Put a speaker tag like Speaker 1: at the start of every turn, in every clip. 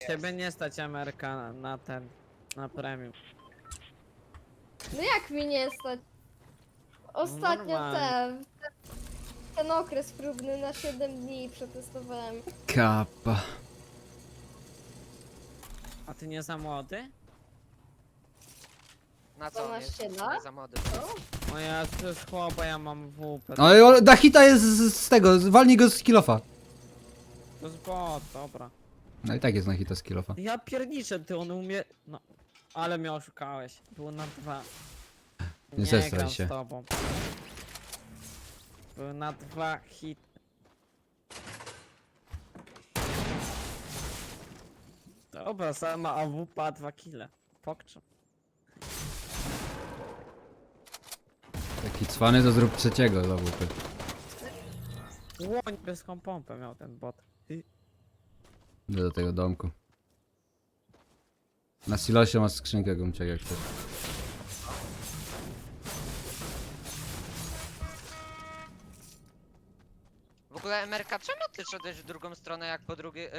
Speaker 1: Ciebie nie stać Ameryka na ten, na premium.
Speaker 2: No jak mi nie stać? Ostatnio
Speaker 1: normalnie.
Speaker 2: ten okres próbny na 7 dni przetestowałem.
Speaker 3: Kappa.
Speaker 1: A ty nie za młody?
Speaker 4: Na co on jest?
Speaker 2: 12 lat?
Speaker 4: Nie za młody.
Speaker 1: O ja to jest chłopa, ja mam WP.
Speaker 3: No Dachita jest z tego, walnij go z kilofa.
Speaker 1: To jest bot, dobra.
Speaker 3: No i tak jest na hita z kilofa.
Speaker 1: Ja pierniczę, ty on umie... No, ale mnie oszukałeś. Było na 2.
Speaker 3: Nie zestraj
Speaker 1: gram
Speaker 3: się.
Speaker 1: z tobą. Były na 2 hit. Dobra, sama AWP 2 kile. Pokczam.
Speaker 3: Taki cwany to zrób trzeciego za WP.
Speaker 1: Łoń niebieska pompę miał ten bot.
Speaker 3: Idę do tego domku. Na silosie masz skrzynkę gumciak jak chcesz.
Speaker 4: W ogóle Emerka, czemu ty szedłeś w drugą stronę jak po drugiej,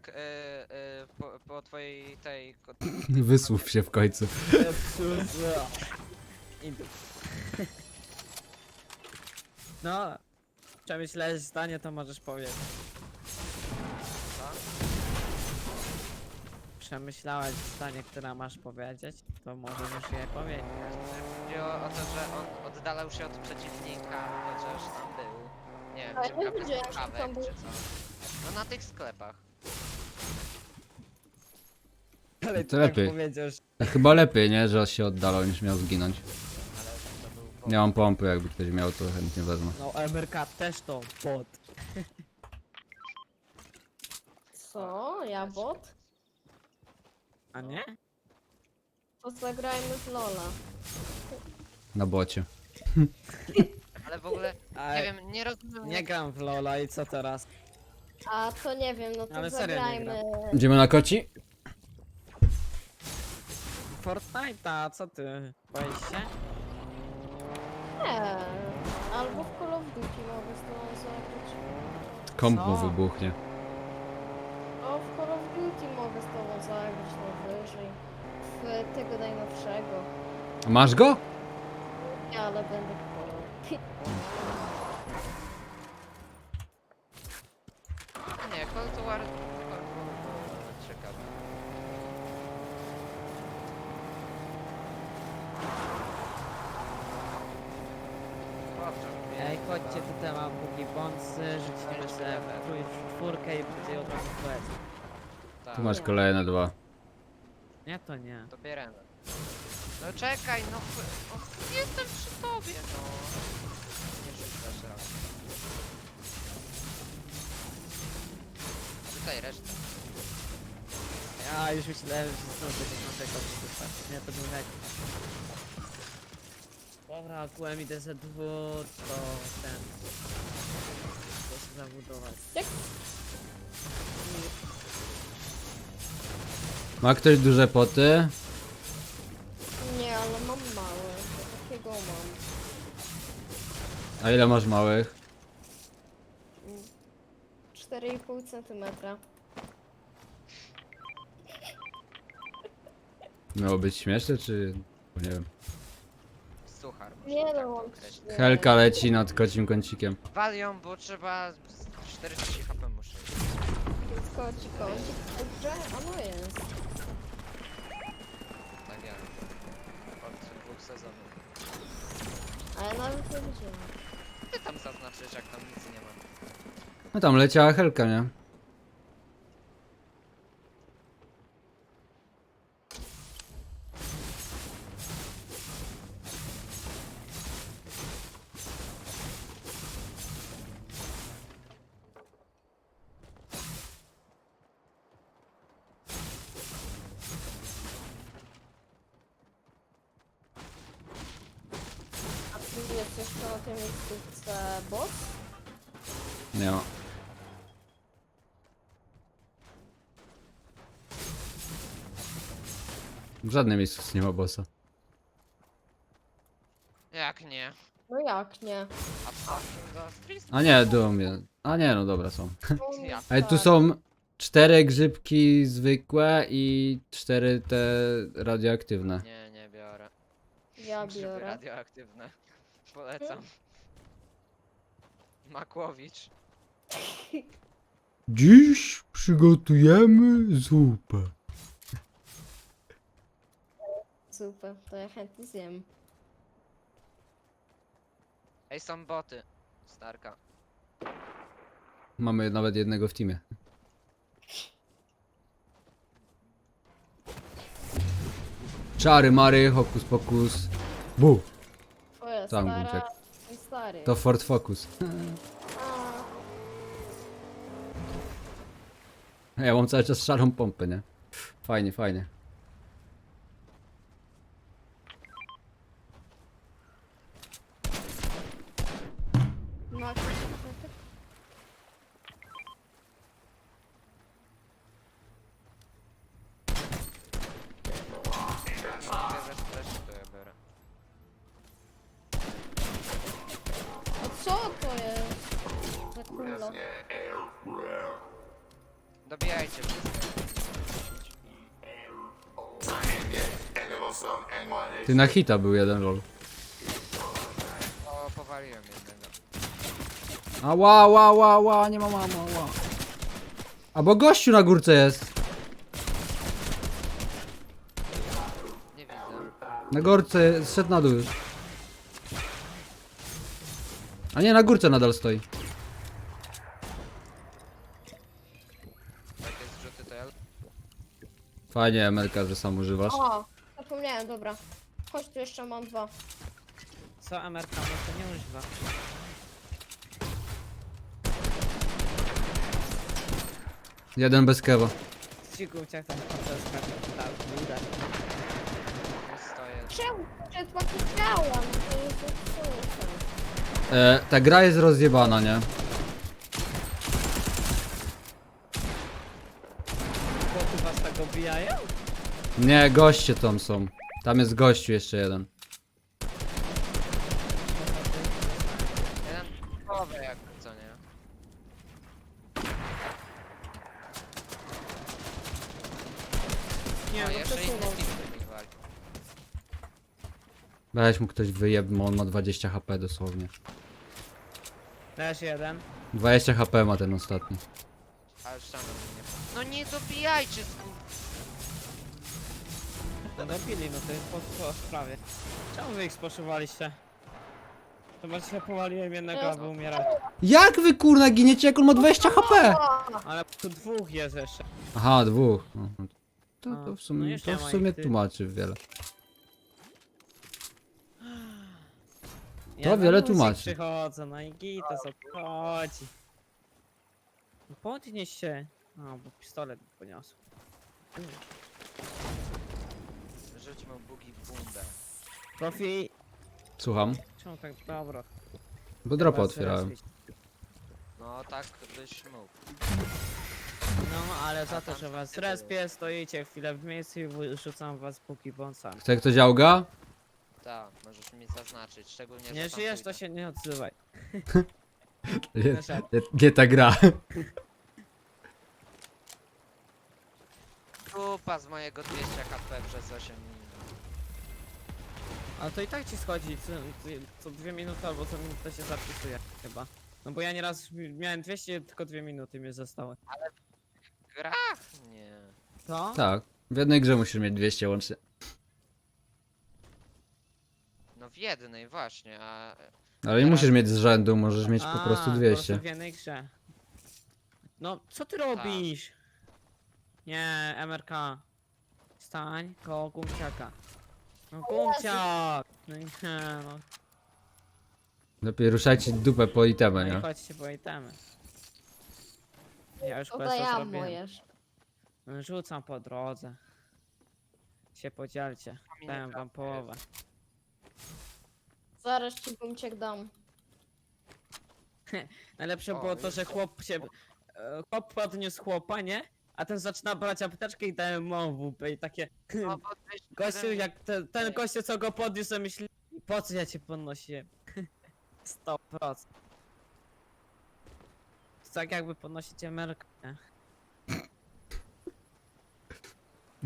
Speaker 4: po twojej tej...
Speaker 3: Wysłów się w końcu.
Speaker 1: Idę. No, przemyślałeś zdanie, to możesz powiedzieć.
Speaker 4: Co?
Speaker 1: Przemyślałeś zdanie, które masz powiedzieć, to możesz już je powiedzieć.
Speaker 4: Chodzi o to, że on oddalał się od przeciwnika, chociaż tam był. Nie wiem,
Speaker 2: Ale
Speaker 4: czy
Speaker 2: nie
Speaker 4: kapel
Speaker 2: widziałem, że
Speaker 4: słuchawek,
Speaker 2: tam był.
Speaker 4: czy co. No na tych sklepach.
Speaker 1: Ale
Speaker 3: To
Speaker 1: ty
Speaker 3: lepiej.
Speaker 1: tak powiedziesz.
Speaker 3: Chyba lepiej, nie? Że się oddalał niż miał zginąć.
Speaker 4: Ale to był...
Speaker 3: Nie mam pompy, jakby ktoś miał, to chętnie wezmę.
Speaker 1: No, MRK też to bot.
Speaker 2: Co? Ja bot?
Speaker 1: A nie?
Speaker 2: To zagrajmy w Lola.
Speaker 3: Na bocie.
Speaker 4: Ale w ogóle,
Speaker 1: A
Speaker 4: nie wiem, nie rozumiem...
Speaker 1: nie gram w Lola i co teraz?
Speaker 2: A to nie wiem, no to
Speaker 1: Ale serio nie
Speaker 2: zagrajmy.
Speaker 3: Idziemy na koci?
Speaker 1: Fortnite'a, co ty? Boisz się?
Speaker 2: Nie. Albo w Call of Duty mogę z tobą zagrać.
Speaker 3: Komp
Speaker 1: Co?
Speaker 3: mu wybuchnie.
Speaker 2: O, w Call of Duty mogę z tobą zagrać najwyżej. W tego najnowszego.
Speaker 3: Masz go?
Speaker 2: Nie, ale będę kupował.
Speaker 4: A nie, Call to War... Ciekawe. Dobrze.
Speaker 1: Ej, chodźcie, tutaj mam póki bonsy, rzucimy sobie w czwórkę i będzie od razu quest.
Speaker 4: Tak,
Speaker 3: Tu masz kolejne dwa.
Speaker 1: Nie, to nie.
Speaker 4: to bierzemy. No czekaj, no... Jestem przy tobie, no. Nie rzucasz raz. Tutaj resztę.
Speaker 1: Ja już myślałem, że znowu będzie naszego przykład. Nie, to był hek. Dobra, akurat idę ze dwór, to ten... To się zabudować.
Speaker 3: Ma ktoś duże poty?
Speaker 2: Nie, ale mam małe. Takiego mam.
Speaker 3: A ile masz małych?
Speaker 2: 4,5 cm.
Speaker 3: Miało być śmieszne, czy... Nie wiem.
Speaker 4: Suchar. może
Speaker 2: Nie
Speaker 4: tak
Speaker 2: no,
Speaker 4: to
Speaker 2: mam
Speaker 4: określić.
Speaker 3: Helka leci nad kocim kącikiem.
Speaker 4: Wal ją, bo trzeba 40 HP muszę.
Speaker 2: Kocik, dobrze? A no jest.
Speaker 4: Tak jak od 2 sezonów.
Speaker 2: A ja nawet nie widziałem.
Speaker 4: Ty tam zaznaczysz, jak tam nic nie ma.
Speaker 3: No tam leciała Helka, nie?
Speaker 2: A tu jest jeszcze na tej miejscówce boss?
Speaker 3: Nie ma. W żadnym miejscu nie ma bossa.
Speaker 4: Jak nie?
Speaker 2: No jak nie?
Speaker 4: A w takim za Street?
Speaker 3: A nie, Doom jest. A nie, no dobra, są.
Speaker 4: Ja.
Speaker 3: Ale tu są... 4 grzybki zwykłe i 4 te radioaktywne.
Speaker 4: Nie, nie biorę.
Speaker 2: Ja
Speaker 4: Grzyby
Speaker 2: biorę.
Speaker 4: radioaktywne. Polecam. Makłowicz.
Speaker 3: Dziś przygotujemy zupę.
Speaker 2: Super, to ja chętnie zjem.
Speaker 4: Ej, są boty. Starka.
Speaker 3: Mamy nawet jednego w teamie. Czary mary, hokus pokus. Bu!
Speaker 2: Twoja
Speaker 3: Tam
Speaker 2: stara
Speaker 3: Gunciak.
Speaker 2: i stary.
Speaker 3: To Ford Focus.
Speaker 2: A,
Speaker 3: Ja mam cały czas szarą pompę, nie? Fajnie, fajnie.
Speaker 2: no,
Speaker 4: Bierzesz fleszy, to ja biorę.
Speaker 2: a co to jest? Za kula.
Speaker 4: Dobijajcie wszystko.
Speaker 3: Ty na hita był jeden lol.
Speaker 4: O, powaliłem jednego.
Speaker 3: Ała, ała, ała, ała, nie ma mama, ała. A bo gościu na górce jest.
Speaker 4: Nie widzę.
Speaker 3: Na górce, zszedł na dół już. A nie, na górce nadal stoi.
Speaker 4: Takie zrzuty to ja...
Speaker 3: Fajnie, Emelka, że sam używasz.
Speaker 2: O, zapomniałem, dobra. Chodź, tu jeszcze mam 2.
Speaker 1: Co Ameryka to nie używa?
Speaker 3: Jeden bez kewa.
Speaker 1: Cikuciak tam skacze w górę.
Speaker 4: Nie stoję.
Speaker 2: Czemu? Przed pakietałem, to jest super.
Speaker 3: Ta gra jest rozjebana, nie?
Speaker 1: Boty was tak obijają?
Speaker 3: Nie, goście tam są. Tam jest gościu jeszcze jeden.
Speaker 4: Jeden połowę jakby, co nie?
Speaker 1: Nie,
Speaker 4: O,
Speaker 1: no
Speaker 4: jeszcze inny
Speaker 1: przesunął.
Speaker 4: team mi wali.
Speaker 3: Weź mu ktoś wyjeb, bo on ma 20 HP dosłownie.
Speaker 1: Też jeden.
Speaker 3: 20 HP ma ten ostatni.
Speaker 4: A już tam nie... No nie dobijajcie, skur...
Speaker 1: No dobili, no to jest po sprawie. Czemu wy ich sposzywaliście? Chyba się powaliłem jednego, aby umierać.
Speaker 3: Jak wy kurna giniecie, jak on ma 20 HP?
Speaker 1: Ale tu dwóch jest jeszcze.
Speaker 3: Aha, dwóch. No, to
Speaker 1: No
Speaker 3: w sumie,
Speaker 1: już
Speaker 3: to
Speaker 1: nie
Speaker 3: w
Speaker 1: ma
Speaker 3: sumie
Speaker 1: ich, ty.
Speaker 3: tłumaczy wiele.
Speaker 1: Ja
Speaker 3: To
Speaker 1: na
Speaker 3: wiele
Speaker 1: luzik
Speaker 3: tłumaczy.
Speaker 1: przychodzę, no i gitas obchodzi. No podnieś się. A, bo pistolet mi poniosł.
Speaker 4: Rzuć mu bugi w bundę.
Speaker 1: Profi...
Speaker 3: Słucham?
Speaker 1: Czemu tak dobra?
Speaker 3: Bo dropa
Speaker 1: Was
Speaker 3: otwierałem.
Speaker 1: respić.
Speaker 4: No tak byś mógł.
Speaker 1: No, ale za to,
Speaker 4: tam
Speaker 1: że
Speaker 4: są
Speaker 1: was
Speaker 4: typy.
Speaker 1: respię, stoicie chwilę w miejscu i rzucam was póki bąsami.
Speaker 3: Chce ktoś auga?
Speaker 4: Tak, możesz mi zaznaczyć, szczególnie,
Speaker 1: Nie
Speaker 4: że tam
Speaker 1: żyjesz, to
Speaker 4: pójdę.
Speaker 1: się nie odzywaj.
Speaker 3: Nie,
Speaker 1: Wyszedł.
Speaker 3: nie ta gra.
Speaker 4: Kupa z mojego 200 HP przez 8 minut.
Speaker 1: Ale to i tak ci schodzi, co 2 minuty albo co minutę się zapisuje chyba. No bo ja nieraz miałem 200, tylko 2 minuty mi zostały.
Speaker 4: W grach? Nie.
Speaker 1: To?
Speaker 3: Tak. W jednej grze musisz mieć 200 łącznie.
Speaker 4: No w jednej właśnie, a...
Speaker 3: Ale nie musisz mieć z rzędu, możesz mieć po prostu
Speaker 1: Po
Speaker 3: 200.
Speaker 1: prostu w jednej grze. No, co ty robisz? Nie, MRK. Stań koło Gumciaka. No Gumciak! No nie, no.
Speaker 3: Lepiej ruszajcie dupę po itemę,
Speaker 1: No i
Speaker 3: nie?
Speaker 1: chodźcie po itemy. Ja już
Speaker 2: To
Speaker 1: questa
Speaker 2: ja
Speaker 1: zrobiłem.
Speaker 2: mojesz.
Speaker 1: No, rzucam po drodze. Się podzielcie. Dałem wam połowę.
Speaker 2: Zaraz ci Gunciak dam.
Speaker 1: Najlepsze
Speaker 4: O,
Speaker 1: było to,
Speaker 4: już
Speaker 1: że chłop się... Chłop podniósł chłopa, nie? A ten zaczyna brać apteczkę i dałem mu w łupę i takie...
Speaker 4: No bo weź-
Speaker 1: Gościu, jak ten gościu, co go podniósł, to myśli... Po co ja cię podnosiłem? 100%. To tak jakby podnosicie merkę, nie?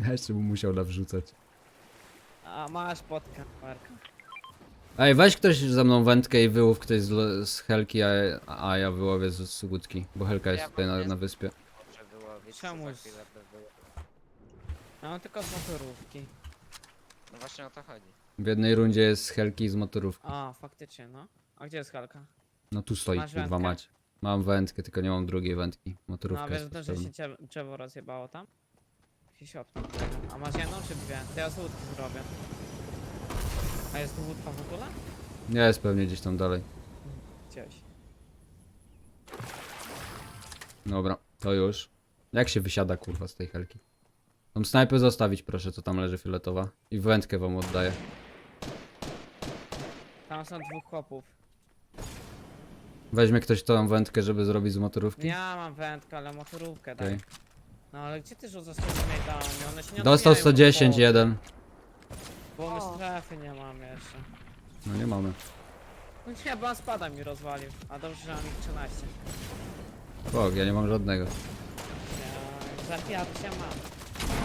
Speaker 3: Ja jeszcze bym musiał nawrzucać.
Speaker 1: A masz podkę, Marka.
Speaker 3: Ej, weź ktoś ze mną wędkę i wyłów ktoś z Helki, a ja wyłowię z łódki. Bo Helka jest
Speaker 4: Ja
Speaker 3: tutaj
Speaker 4: mam
Speaker 3: na wyspie.
Speaker 4: Dobrze wyłowić,
Speaker 1: Czemu
Speaker 4: to
Speaker 1: z-
Speaker 4: za chwilę by było.
Speaker 1: Ja mam tylko z motorówki.
Speaker 4: No właśnie o to chodzi.
Speaker 3: W jednej rundzie jest z Helki i z motorówki.
Speaker 1: A, faktycznie, no. A gdzie jest Halka?
Speaker 3: No tu stoi,
Speaker 1: Masz
Speaker 3: kurwa
Speaker 1: wędkę?
Speaker 3: mać. Mam wędkę, tylko nie mam drugiej wędki.
Speaker 1: No,
Speaker 3: Motorówka
Speaker 1: a wiesz,
Speaker 3: jest
Speaker 1: to, że
Speaker 3: potrzebna.
Speaker 1: się drzewo rozjebało tam? Się siotną. A masz jedną czy dwie? To ja z łódki zrobię. A jest tu łódka w ogóle?
Speaker 3: Nie jest pewnie gdzieś tam dalej.
Speaker 1: Gdzieś.
Speaker 3: Dobra, to już. Jak się wysiada kurwa z tej Helki? Tą snajpę zostawić proszę, co tam leży fioletowa. I wędkę wam oddaję.
Speaker 1: Tam są dwóch chłopów.
Speaker 3: Weźmie ktoś tą wędkę, żeby zrobić z motorówki?
Speaker 1: Ja mam wędkę, ale motorówkę daj.
Speaker 3: Okej.
Speaker 1: No ale gdzie ty rzucasz te grenadami? One się nie
Speaker 3: Dostał
Speaker 1: odbijają
Speaker 3: 110,
Speaker 1: od
Speaker 3: jeden.
Speaker 1: Bo my
Speaker 2: O.
Speaker 1: strefy nie mamy jeszcze.
Speaker 3: No nie mamy.
Speaker 1: No nie, bo on spada mi rozwalił. A dobrze, że mam ich 13.
Speaker 3: Bog, ja nie mam żadnego.
Speaker 1: Ja zabijać się mam.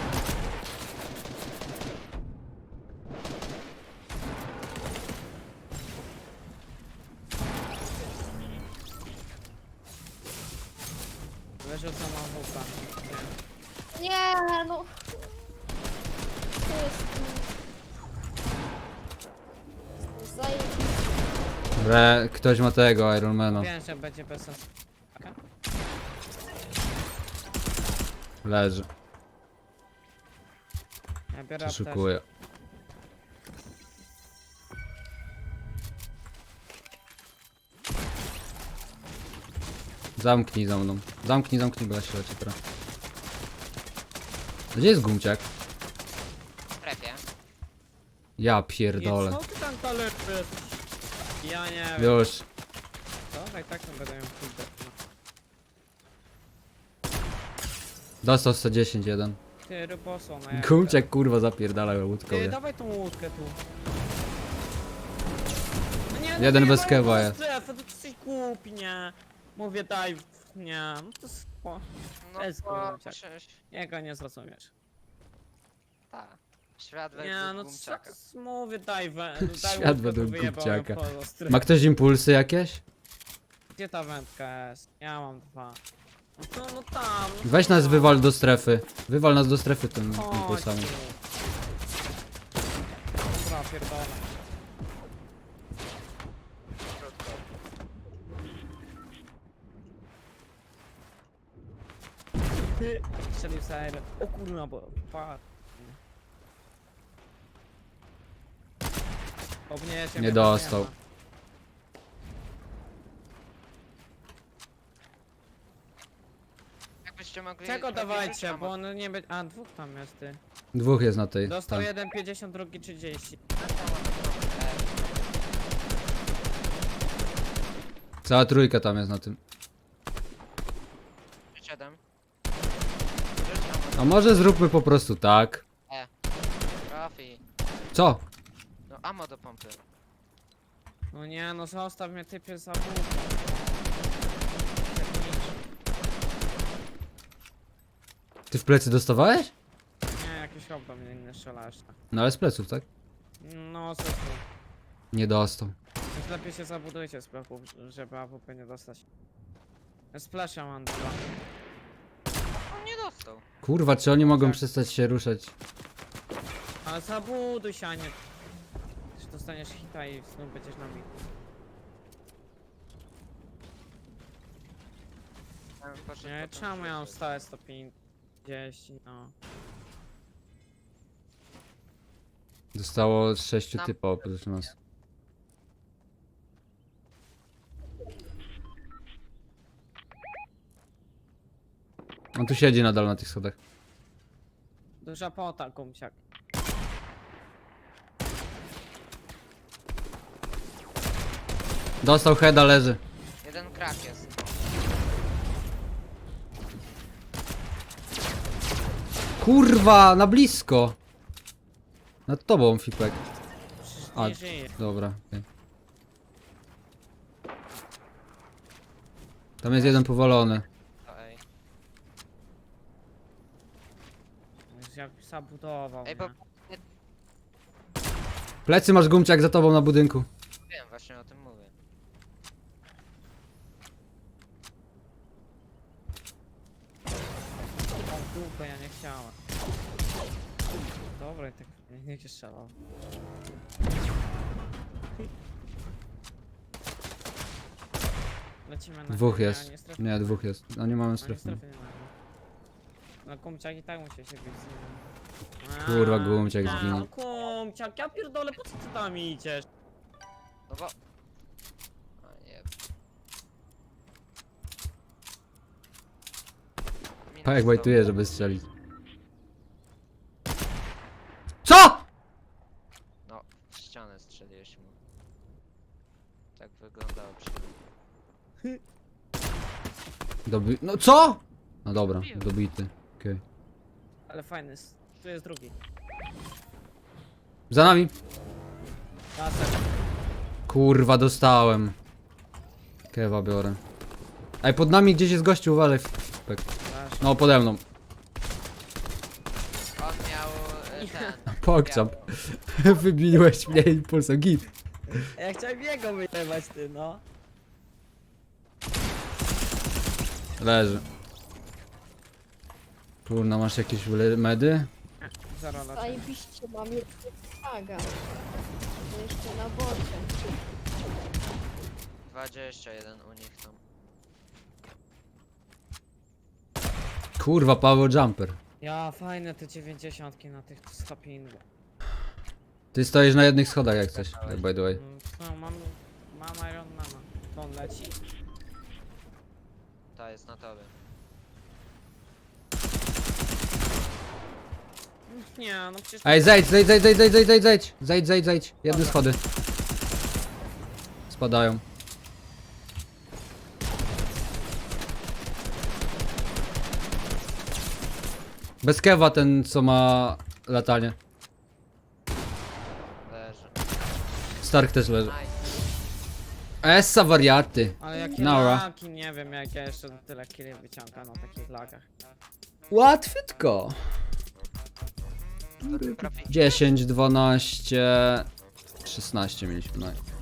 Speaker 1: Wyrzucam mam wupa.
Speaker 2: Nie, no. To jest... Zajebiste.
Speaker 3: Ktoś ma tego, Ironmana.
Speaker 1: Wiem, że będzie bez sensu.
Speaker 3: Leży.
Speaker 1: Ja biorę apteczkę.
Speaker 3: Przeszukuję. Zamknij za mną. Zamknij, bo ja się leci teraz. Gdzie jest gumciak?
Speaker 4: W strefie.
Speaker 3: Ja
Speaker 1: I
Speaker 3: pierdolę.
Speaker 1: co ty tam talerzysz? Ja nie wiem.
Speaker 3: Już.
Speaker 1: Dobra, i tak to będę ją pójdę.
Speaker 3: Dostał 110, jeden.
Speaker 1: Ty ryboso, no jak...
Speaker 3: Gumciak kurwa zapierdala łódką.
Speaker 1: Ty,
Speaker 3: nie?
Speaker 1: dawaj tą łódkę tu. No nie,
Speaker 3: Jeden
Speaker 1: nie,
Speaker 3: bez
Speaker 1: no
Speaker 3: kewa
Speaker 1: nie,
Speaker 3: jest.
Speaker 1: strefę, to jesteś głupi, nie. Mówię daj, nie, no to spoko.
Speaker 4: No
Speaker 1: Jest
Speaker 4: to
Speaker 1: gumciak.
Speaker 4: przecież...
Speaker 1: Jego nie zrozumiesz.
Speaker 4: Tak. Świat
Speaker 1: Nie,
Speaker 4: według
Speaker 1: no
Speaker 4: Gumciaka.
Speaker 1: co, mówię daj,
Speaker 3: Świat
Speaker 1: łódkę, to
Speaker 3: według
Speaker 1: wyjebałem
Speaker 3: Gumciaka.
Speaker 1: poza strefę.
Speaker 3: Ma ktoś impulsy jakieś?
Speaker 1: Gdzie ta wędka jest? Ja mam dwa. No tam. No
Speaker 3: Weź nas
Speaker 1: tam.
Speaker 3: wywal do strefy. Wywal nas do strefy tym
Speaker 1: Chodź
Speaker 3: impulsami.
Speaker 1: tu. Dobra, pierdolę. Ty, strzelił sobie. O kurwa, bo padł. Obniecie
Speaker 3: Nie dostał.
Speaker 4: Jakbyście mogli...
Speaker 1: Czego
Speaker 4: lepiej
Speaker 1: dawajcie,
Speaker 4: rzucić,
Speaker 1: bo on nie będzie. A, dwóch tam jest ty.
Speaker 3: Dwóch jest na tej.
Speaker 1: Dostał
Speaker 3: tam.
Speaker 1: jeden 50, drugi 30.
Speaker 3: Cała trójka tam jest na tym.
Speaker 4: 7.
Speaker 3: A może zróbmy po prostu tak.
Speaker 4: Trafi.
Speaker 3: Co?
Speaker 4: No ammo do pompy.
Speaker 1: No nie, no zostaw mnie typie za bóg.
Speaker 3: Ty w plecy dostawałeś?
Speaker 1: Nie, jakiś chłop do mnie inny strzela jeszcze.
Speaker 3: No ale z pleców, tak?
Speaker 1: No, co tu?
Speaker 3: Nie dostał.
Speaker 1: Więc lepiej się zabudujcie z pleców, żeby AWP nie dostać. Splasha mam dwa.
Speaker 4: On nie dostał.
Speaker 3: Kurwa, czy oni mogą
Speaker 1: Tak.
Speaker 3: przestać się ruszać?
Speaker 1: Ale zabuduj się, a nie... Że dostaniesz hita i znów będziesz na mi. Nie, czemu ja mam stałe 150, no.
Speaker 3: Zostało 6
Speaker 4: Nam-
Speaker 3: typa oprócz nas. On tu siedzi nadal na tych schodach.
Speaker 1: Duża pota, kumciak.
Speaker 3: Dostał heada, leży.
Speaker 4: Jeden krak jest.
Speaker 3: Kurwa, na blisko. Nad tobą, Fipek.
Speaker 1: Przecież
Speaker 3: A.
Speaker 1: nie żyje.
Speaker 3: Dobra. okej. Tam jest jeden powalony.
Speaker 4: To ej.
Speaker 1: jak zabudował,
Speaker 4: Ej,
Speaker 1: nie?
Speaker 4: bo
Speaker 3: Plecy masz Gumciak za tobą na budynku.
Speaker 4: wiem, właśnie o tym mówię.
Speaker 1: O dupę, ja nie chciałem. Dobra, i tak niech się strzelał. Lecimy na
Speaker 3: Dwóch
Speaker 1: chwilę,
Speaker 3: jest.
Speaker 1: a nie strefy.
Speaker 3: Nie, dwóch jest. No nie mamy
Speaker 1: A nie
Speaker 3: strefy.
Speaker 1: strefy nie mamy. No kumciak i tak musi się bić z nim.
Speaker 3: Kurwa, Gumciak
Speaker 1: A,
Speaker 3: zginął.
Speaker 1: no kumciak, ja pierdolę, po co ty tam idziesz?
Speaker 4: No bo... A nie. Minus
Speaker 3: Pa jak
Speaker 4: 100.
Speaker 3: wajtuje, żeby strzelić. CO?!
Speaker 4: No, w ścianę strzeliłeś mu. Tak wyglądało przynajmniej.
Speaker 3: No co?! No dobra, dobity. Okej.
Speaker 1: Ale fajny jest. Tu jest drugi.
Speaker 3: Za nami!
Speaker 1: Laser.
Speaker 3: Kurwa, dostałem. Kewa biorę. Ej, pod nami gdzieś jest gościu, uważaj. Tak.
Speaker 1: Laser.
Speaker 3: No, pode mną.
Speaker 4: On miał ten...
Speaker 3: Pokczam. Wybiłeś mnie impulsem, git.
Speaker 1: Ja chciałem jego wyjebać, ty, no.
Speaker 3: Leży. Kurna, masz jakieś medy?
Speaker 1: Zero laser.
Speaker 2: Zajebiście mam jeszcze saga. To jeszcze na bocie.
Speaker 4: 21 u nich tam.
Speaker 3: Kurwa, Paweł Jumper.
Speaker 1: Ja, fajne te 90 na tych stoppingu.
Speaker 3: Ty stoisz na jednych schodach jak coś, by the way.
Speaker 1: No, mam Iron Mana. To on leci.
Speaker 4: Ta jest na tobie.
Speaker 1: Nie, no przecież...
Speaker 3: Ej, zejdź. Jedne schody. Spadają. Bez kewa ten, co ma latanie.
Speaker 4: Leży.
Speaker 3: Stark też leży.
Speaker 4: Nice.
Speaker 3: Essa wariaty.
Speaker 1: Ale jakie
Speaker 3: Nara.
Speaker 1: lagi, nie wiem jak ja jeszcze tyle killi wyciągam na takich lagach.
Speaker 3: Łatwiutko.
Speaker 4: Trafi.
Speaker 3: 10, 12, 16 mieliśmy. No.